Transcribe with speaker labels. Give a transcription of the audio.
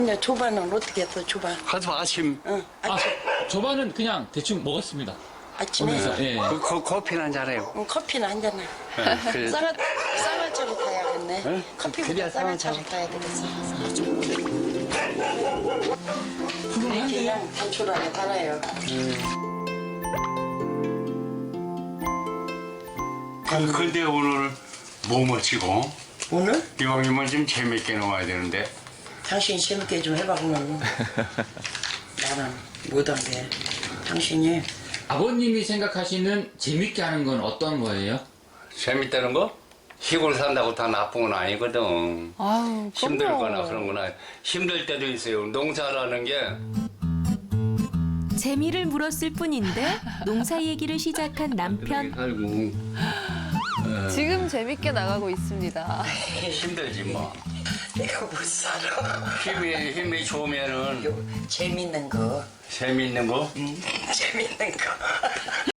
Speaker 1: 이제 조반은 어떻게 했어, 조반?
Speaker 2: 하도 아침
Speaker 1: 응,
Speaker 3: 아, 저반은 그냥 대충 먹었습니다.
Speaker 1: 아침에
Speaker 3: 예.
Speaker 2: 커피는 한 잔해요.
Speaker 1: 응, 커피는 한 잔에.
Speaker 2: 그래.
Speaker 1: 쌍화차를 타야겠네.
Speaker 2: 응?
Speaker 1: 커피보다
Speaker 2: 그래야
Speaker 1: 쌍화차를 타야 되겠어.
Speaker 3: 훌륭한데요?
Speaker 1: 그냥 단촐하게 달아요.
Speaker 2: 근데 오늘 뭐 멋지고
Speaker 1: 오늘?
Speaker 2: 이왕이면 좀 재밌게 나와야 되는데
Speaker 1: 당신이 재밌게 좀 해봐, 그러면. 나는 못한 게. 당신이
Speaker 3: 아버님이 생각하시는 재밌게 하는 건 어떤 거예요?
Speaker 2: 재밌다는 거? 시골 산다고 다 나쁜 건 아니거든.
Speaker 4: 아유,
Speaker 2: 힘들거나 그런 거나 힘들 때도 있어요. 농사라는 게
Speaker 5: 재미를 물었을 뿐인데 농사 얘기를 시작한 남편.
Speaker 2: 살고
Speaker 4: 지금 재밌게 나가고 있습니다.
Speaker 2: 힘들지 뭐.
Speaker 1: 내가 못 살아.
Speaker 2: 힘이 좋으면은
Speaker 1: 재밌는 거.
Speaker 2: 재밌는 거.
Speaker 1: 재밌는 거.